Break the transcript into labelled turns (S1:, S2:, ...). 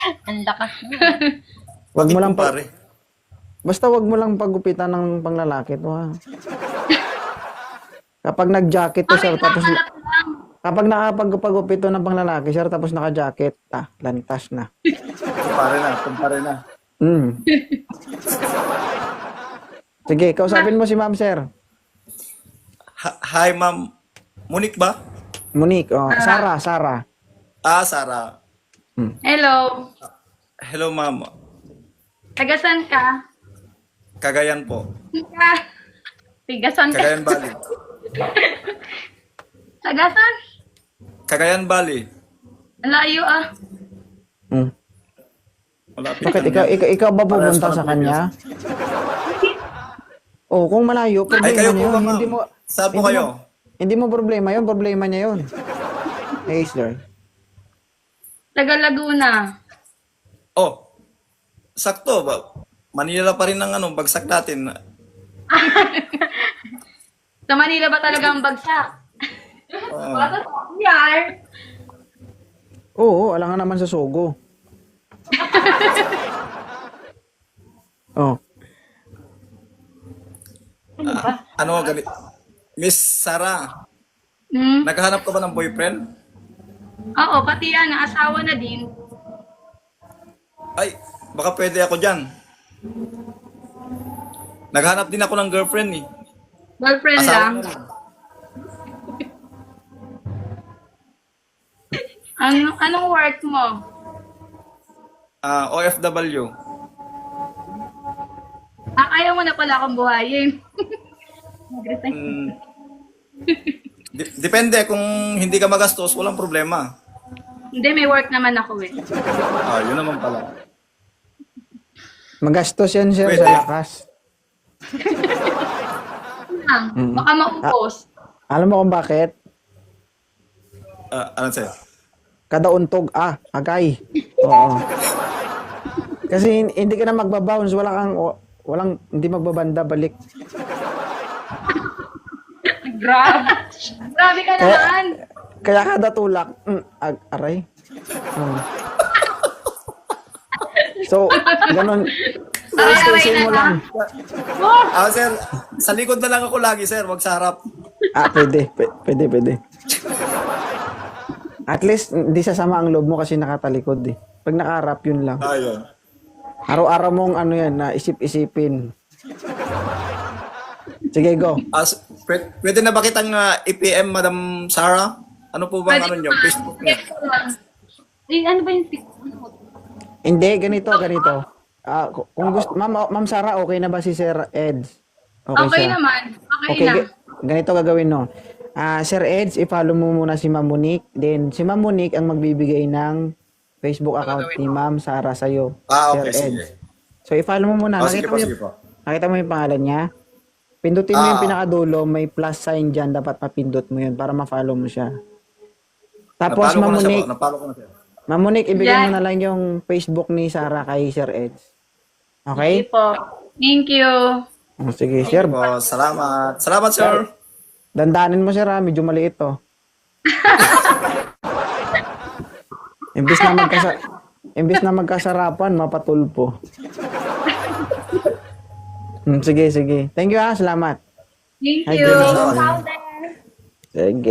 S1: Ang lakas mo.
S2: Wag
S3: Bakit
S2: mo lang
S3: kumpare?
S2: basta wag mo lang pagupitan ng panglalaki to ha. Kapag nag-jacket to sir tapos kapag nakapagpagupit to ng panglalaki sir tapos naka-jacket, lantas na.
S3: Kumpare na.
S2: Mm. Sige, kausapin mo si ma'am sir.
S3: Hi, ma'am. Monique ba?
S2: Monique, Sarah.
S3: Sarah.
S1: Hello.
S3: Hello, ma'am.
S1: Tagasan ka?
S3: Cagayan po.
S1: Tigasan ka?
S3: Cagayan Valley.
S1: Tagasan?
S3: Cagayan Valley.
S1: Ang layo ah.
S2: Mm.
S3: Malapit
S2: Bakit
S3: lang yan.
S2: ikaw ba
S3: Parehas
S2: pupunta
S3: pa
S2: sa
S3: ng
S2: kanya? Oh, kung malayo,
S3: Ay,
S2: problema
S3: kayo
S2: niya
S3: po
S2: yun.
S3: ba, ma'am?
S2: Hindi mo
S3: Saan po
S2: hindi
S3: kayo?
S2: Hindi mo problema yun, problema niya yun. Hey, sir.
S1: Taga Laguna.
S3: Oh, sakto ba? Manila pa rin ang bagsak natin.
S1: Sa Manila ba talaga ang bagsak?
S3: Oo.
S1: Baka sa Yar.
S2: Oo, alangan naman sa Sogo. Oh,
S3: Ano ganit? Miss Sarah,
S1: Hmm?
S3: naghahanap ka ba ng boyfriend?
S1: Oo, pati yan, asawa na din.
S3: Ay, baka pwede ako dyan. Naghanap din ako ng girlfriend eh.
S1: Girlfriend
S3: Asawa
S1: lang.
S3: na rin.
S1: Anong work mo?
S3: OFW.
S1: Ayaw mo na pala akong buhayin. Nag-resign.
S3: Depende kung hindi ka magastos, walang problema.
S1: Hindi, may work naman ako eh.
S3: Yun naman pala.
S2: magastos yan, sir,
S3: Pwede.
S2: sa lakas.
S1: Baka maupos.
S2: Alam mo kung bakit?
S3: Ano sa'yo?
S2: Kada untog, agay. Oo. Kasi hindi ka na magbabounce, walang, hindi magbabanda, balik.
S1: Grabe. Grabe ka naman.
S2: Kaya kada tulak, aray. Oo. So, ganun. Stretching mo lang.
S3: Sir, sa likod na lang ako lagi, sir. Wag sa harap.
S2: Pwede. At least, hindi sasama ang loob mo kasi nakatalikod eh. Pag nakaharap, yun lang.
S3: Ayun.
S2: Araw-araw mong na isip-isipin. Sige, go.
S3: Pwede na ba kitang i-PM, Madam Sarah? Ano po bang
S1: Pwede
S3: niyo?
S1: ba?
S3: Facebook niyo?
S1: Ano ba yung
S2: Hindi, ganito. Kung gusto, Ma'am Sarah, okay na ba si Sir Eds?
S1: Okay
S2: siya?
S1: naman. Okay na.
S2: Ganito gagawin, no? Sir Eds, i-follow mo muna si Ma'am Monique. Then, si Ma'am Monique ang magbibigay ng Facebook account ni Ma'am Sarah sa'yo.
S3: Okay,
S2: Sir
S3: sige.
S2: Eds. So, i-follow mo muna.
S3: Sige po.
S2: Nakita mo yung pangalan niya? Pindutin mo yung
S3: Ah.
S2: pinakadulo, may plus sign dyan. Dapat mapindot mo yun para ma-follow mo siya. Tapos, Ma'am Monique,
S3: Napalo ko na siya.
S2: Ma'am Monique, ibigay
S1: Yan.
S2: mo na lang yung Facebook ni Sarah kay Sir Eds.
S1: Sige
S2: Okay?
S1: po. Thank you.
S2: Sige, Sir.
S3: Salamat. Salamat, sir.
S2: Dandanin mo, Sir, medyo maliit to. Imbis na magkasarapan, mapatulpo. Sige. Thank you, Salamat.
S1: Thank
S2: Ay,
S1: you.
S2: Jenna. Sige.